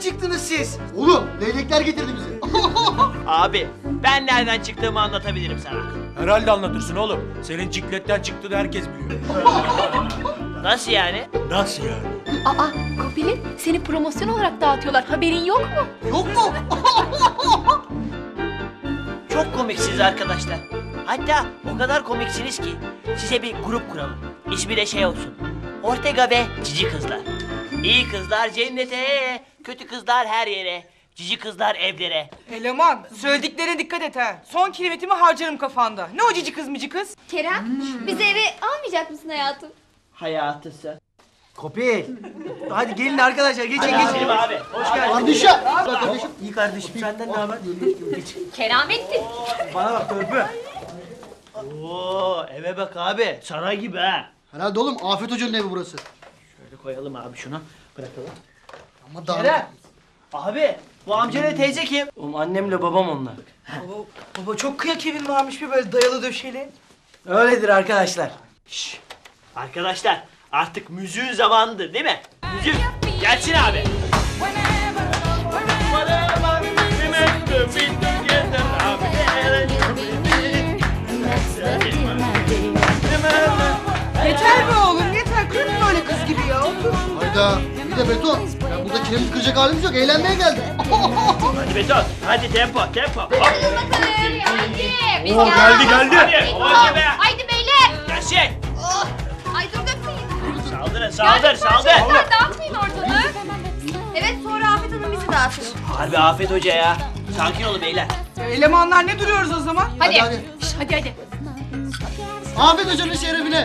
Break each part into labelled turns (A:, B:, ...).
A: çıktınız siz?
B: Oğlum leylekler getirdi bizi.
C: Abi ben nereden çıktığımı anlatabilirim sana.
D: Herhalde anlatırsın oğlum. Senin cikletten çıktığını herkes biliyor.
C: Nasıl yani?
D: Nasıl yani?
E: Aa, Kopil'in seni promosyon olarak dağıtıyorlar. Haberin yok mu?
B: Yok mu?
C: Çok komiksiniz arkadaşlar. Hatta o kadar komiksiniz ki size bir grup kuralım. İsmi de şey olsun. Ortega ve Cici Kızlar. İyi kızlar cennete, kötü kızlar her yere, cici kızlar evlere.
A: Eleman, söylediklerine dikkat et ha. Son kelimetimi harcarım kafanda. Ne o cici kız mici kız?
E: Kerem, bizi eve almayacak mısın hayatım?
C: Hayatısı.
A: Kopil. Hadi gelin arkadaşlar, geçin
C: Selim abi, hoş geldin.
B: Kardeşim. Kardeşim.
A: İyi kardeşim, senden ne haber?
E: Keramettin.
A: Bana bak törpü.
C: Oo, eve bak abi, saray gibi ha.
B: Herhalde oğlum Afet Hoca'nın evi burası.
C: Şöyle koyalım abi şunu, bırakalım.
B: Ama daha...
C: Kerem. Abi, bu amca teyze kim?
A: Oğlum annemle babam onlar. Baba çok kıyak evin varmış bir böyle dayalı döşeli. Öyledir arkadaşlar.
C: Şşş. Arkadaşlar, artık müziğin zamanıdır değil mi? Müzik, gelsin abi.
A: Yeter be oğlum yeter. Kırma böyle kız gibi ya. Otur.
B: Hayda. Bir de beton. Ya burada kiremit kıracak halimiz yok. Eğlenmeye geldik.
C: Hadi beton, hadi tempo, tempo. Hop.
E: Hadi bakalım, hadi. Biz
D: Oo, geldi, geldi.
C: Hadi, hadi be.
E: Haydi beyler.
C: Gelsin.
E: Ay dur dökmeyin.
C: Saldırın, saldır, saldır.
E: Çocuklar dağıtmayın ortalığı. Evet, sonra Afet Hanım bizi dağıtır.
C: Harbi Afet Hoca ya. Sakin olun beyler.
A: Elemanlar ne duruyoruz o zaman?
E: Hadi.
B: hadi.
E: Şş, hadi.
B: Afet Hoca'nın şerefine.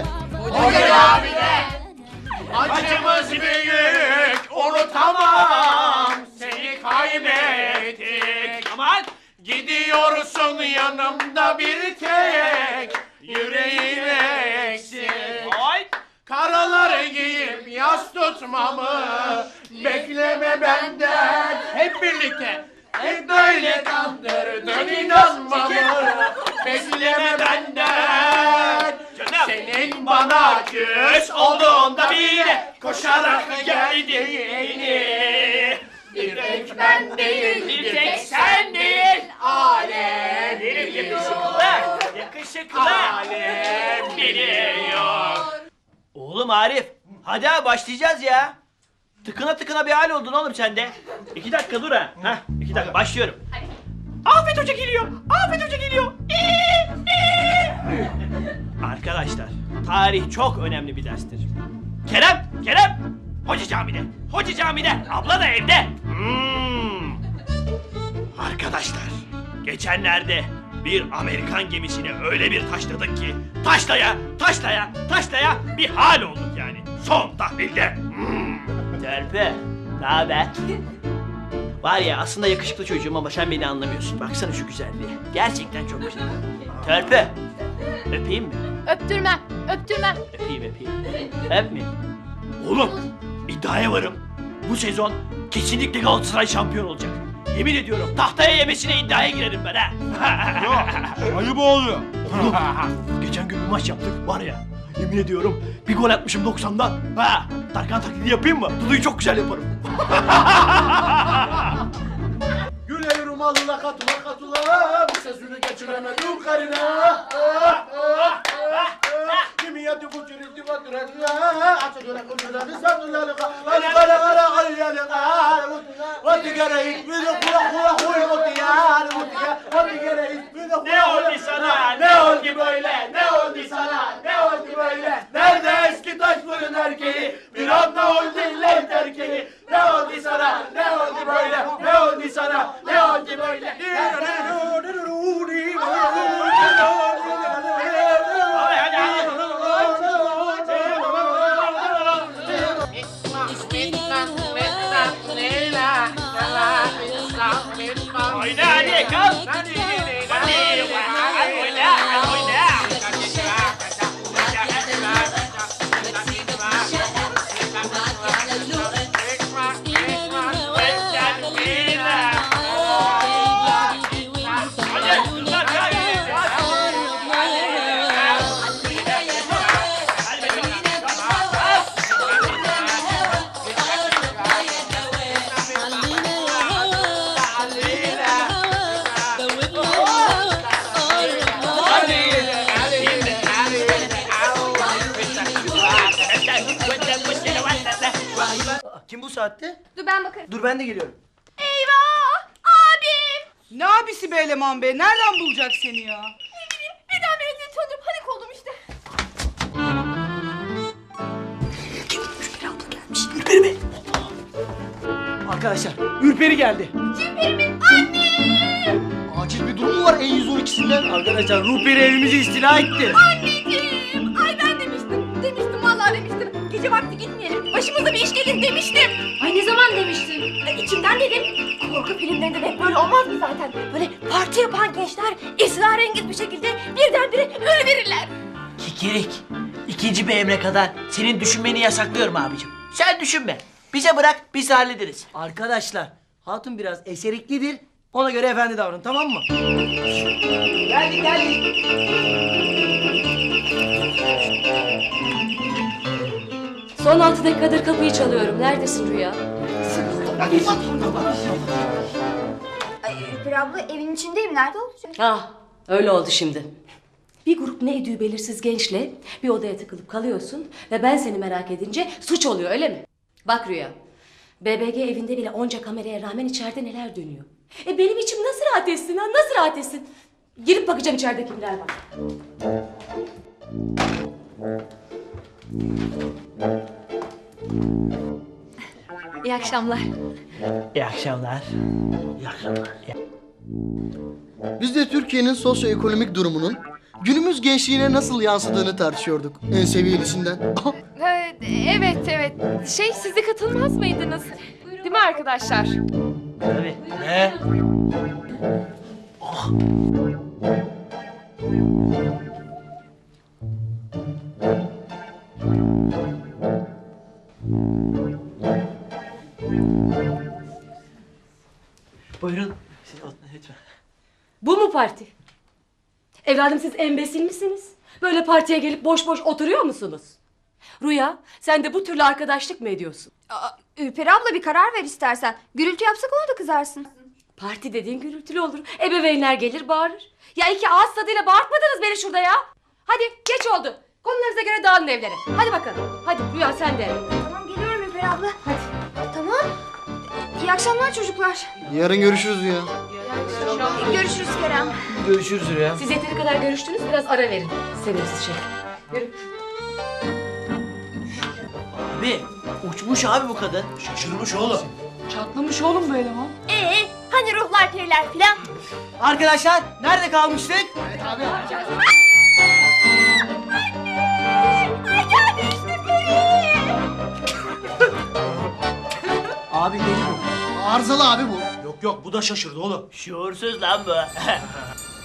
D: Acımız büyük, unutamam. Seni kaybettik.
C: Aman.
D: Gidiyorsun yanımda bir tek. Yüreğim eksik.
C: Ay.
D: Karaları giyip yas tutmamı bekleme benden. Hep birlikte. Hep böyle kandırdın inanmamı bekleme benden.
C: Canım.
D: Senin bana küs olduğunda bile koşarak geldiğini. Bir tek ben değil, bir tek sen değil, alem
C: Yakışıklı. Yakışıklı.
D: alem biliyor.
C: Oğlum Arif. Hadi abi başlayacağız ya. Tıkına tıkına bir hal oldun oğlum sen de. 2 dakika dur ha. Heh, 2 dakika başlıyorum. Afet Hoca geliyor. Afet Hoca geliyor. Arkadaşlar, tarih çok önemli bir derstir. Kerem, Kerem. Hoca camide. Hoca camide. Abla da evde. Arkadaşlar, geçenlerde bir Amerikan gemisini öyle bir taşladık ki taşlaya, taşlaya, taşlaya bir hal olduk yani. Son tahlilde. Törpü, ne haber? Var ya aslında yakışıklı çocuğum ama sen beni anlamıyorsun. Baksana şu güzelliğe. Gerçekten çok güzel. Törpü, öpeyim mi?
E: Öptürmem, öptürmem.
C: Öpeyim, öpeyim. Öpmeyeyim. Oğlum, iddiaya varım. Bu sezon kesinlikle Galatasaray şampiyon olacak. Yemin ediyorum tahtaya yemesine iddiaya girerim ben ha.
D: Ayıp oluyor.
C: Oğlum, geçen gün bir maç yaptık var ya. Yemin ediyorum bir gol atmışım 90'dan. Ha, Tarkan taklidi yapayım mı? Dudu'yu çok güzel yaparım.
D: Güle rumalına katıla katıla bir sözünü geçiremedim karına. Kimi yedi bu çürüldü batırına. Açı göre kırmızı satırları kara kara kara kara kara. Vati gere itmini kula kula kula vati yani vati gere itmini kula.
C: Ne oldu sana?
D: Ne oldu böyle? Ne oldu sana? Ne oldu böyle? Nerede eski taş fırın erkeği? Bir anda oldu illet erkeği. Ne oldu sana? Ne oldu böyle? Ne oldu sana? Ne oldu böyle?
C: Hadi hadi. Oyna hadi kalk. Hadi oyna, hadi oyna.
A: Kim bu saatte?
E: Dur ben bakarım.
A: Dur ben de geliyorum.
E: Eyvah! Abim!
F: Ne abisi be eleman be? Nereden bulacak seni ya?
E: Ne bileyim birden zil çalınca panik oldum işte.
A: Arkadaşlar Ürperi geldi.
E: Cimperimin anne!
B: Acil bir durum mu var E112'sinden?
A: Arkadaşlar Ürperi evimizi istila etti.
E: Anneciğim! Ay ben demiştim. Demiştim vallahi demiştim. Gece vakti gitmeyelim. Başımıza bir iş gelir demiştim. Ay ne zaman demiştin? İçimden dedim. Korku filmlerinde de hep böyle olmaz mı zaten? Böyle parti yapan gençler esrarengiz bir şekilde birdenbire ölüverirler.
G: Kikirik. İkinci bir emre kadar senin düşünmeni yasaklıyorum abicim. Sen düşünme. Bize bırak, biz hallederiz.
A: Arkadaşlar hatun biraz eseriklidir. Ona göre efendi davran, tamam mı?
F: Geldik geldik.
H: Son 6 dakikadır kapıyı çalıyorum. Neredesin Rüya?
E: Ülper abla evin içindeyim. Nerede olacak?
H: Ah, öyle oldu şimdi. Bir grup ne idüğü belirsiz gençle bir odaya tıkılıp kalıyorsun ve ben seni merak edince suç oluyor öyle mi? Bak Rüya, BBG evinde bile onca kameraya rağmen içeride neler dönüyor. Benim içim nasıl rahat etsin ha, nasıl rahat etsin? Girip bakacağım içeride kimler var.
E: İyi akşamlar.
G: İyi akşamlar. İyi akşamlar.
B: Biz de Türkiye'nin sosyoekonomik durumunun günümüz gençliğine nasıl yansıdığını tartışıyorduk. En seviyelisinden.
E: Evet. Siz de katılmaz mıydınız? Değil mi arkadaşlar?
G: Tabii. Ne? Buyurun. Siz oturun lütfen.
H: Bu mu parti? Evladım siz embesil misiniz? Böyle partiye gelip boş boş oturuyor musunuz? Rüya, sen de bu türlü arkadaşlık mı ediyorsun?
E: Ülper abla bir karar ver istersen. Gürültü yapsak ona da kızarsın.
H: Parti dediğin gürültülü olur. Ebeveynler gelir bağırır. Ya iki ağız tadıyla bağırtmadınız beni şurada ya. Hadi geç oldu. Konularınıza göre dağılın evlere. Hadi bakalım. Hadi Rüya sen de.
E: Tamam geliyorum Ülper abla. Hadi. Tamam. İyi akşamlar çocuklar.
B: Yarın görüşürüz ya.
E: Görüşürüz Kerem.
A: Görüşürüz ya.
H: Siz yeteri kadar görüştünüz biraz ara verin. Sevimsiz şey. Yürü.
G: Abi, uçmuş abi bu kadın.
C: Şaşırmış oğlum.
F: Çatlamış oğlum bu eleman.
E: Hani ruhlar periler filan.
A: Arkadaşlar nerede kalmıştık?
E: Ay geldi işte peri.
A: Abi deli bu.
B: Arızalı abi bu.
C: Yok bu da şaşırdı oğlum.
G: Şuursuz lan bu.